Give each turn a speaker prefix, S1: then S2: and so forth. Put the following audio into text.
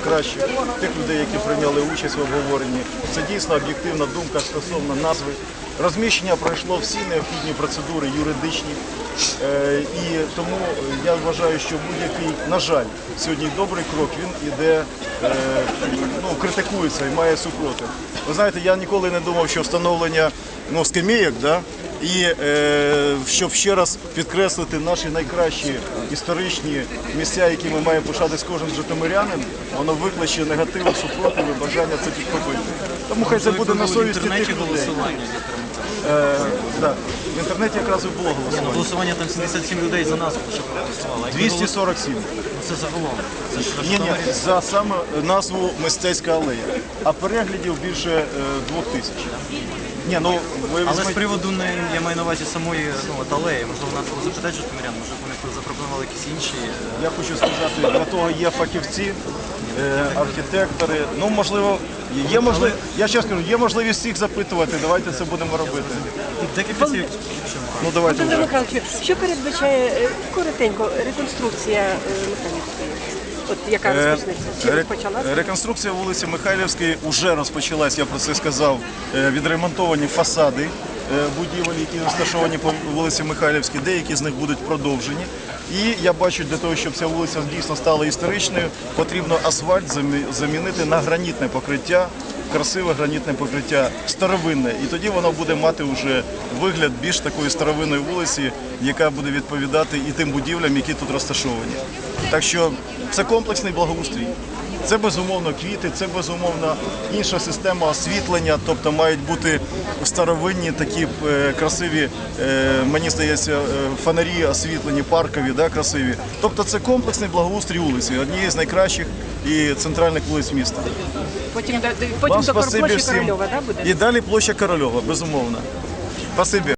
S1: найкращих, тих людей, які прийняли участь в обговоренні. Це дійсно об'єктивна думка стосовно назви. Розміщення пройшло всі необхідні процедури юридичні. І тому я вважаю, що будь-який, на жаль, сьогодні добрий крок, він іде, критикується і має супротив. Ви знаєте, я ніколи не думав, що встановлення скамійок, і щоб ще раз підкреслити наші найкращі історичні місця, які ми маємо пишатись кожен житомирянин, воно викличе негативу, супротив і бажання це підхопити. Тому хай це буде на совісті тих людей. В інтернеті якраз і було голосування.
S2: Голосування там 77 людей за назву лише проголосувало.
S1: 247.
S2: Це загалом. Це ж
S1: Ні, за саме назву «Мистецька алея». А переглядів більше 2000.
S2: Але з приводу, я маю на увазі самої алеї, можливо, нас було запитати житомирян, може вони запропонували якісь інші.
S1: Я хочу сказати, для того є фахівці, архітектори. Можливо, я ще скажу, є можливість всіх запитувати, давайте це будемо робити.
S2: Декілька слів.
S1: Давайте.
S3: Володимир Михайлович, що передбачає коротенько реконструкція Михайлівської? Яка розпочнеться? Чи розпочалася?
S1: Реконструкція вулиці Михайлівської вже розпочалась, я про це сказав. Відремонтовані фасади будівель, які розташовані по вулиці Михайлівській, деякі з них будуть продовжені. І я бачу, для того, щоб ця вулиця дійсно стала історичною, потрібно асфальт замінити на гранітне покриття, красиве гранітне покриття, старовинне. І тоді воно буде мати вже вигляд більш такої старовинної вулиці, яка буде відповідати і тим будівлям, які тут розташовані. Так що це комплексний благоустрій. Це, безумовно, квіти, це, безумовно, інша система освітлення, тобто мають бути старовинні такі красиві, мені здається, фонарі освітлені, паркові, красиві. Тобто це комплексний благоустрій вулиці, однієї з найкращих і центральних вулиць міста.
S3: Потім до площі Корольова, буде?
S1: І далі площа Корольова, безумовно. Спасибі.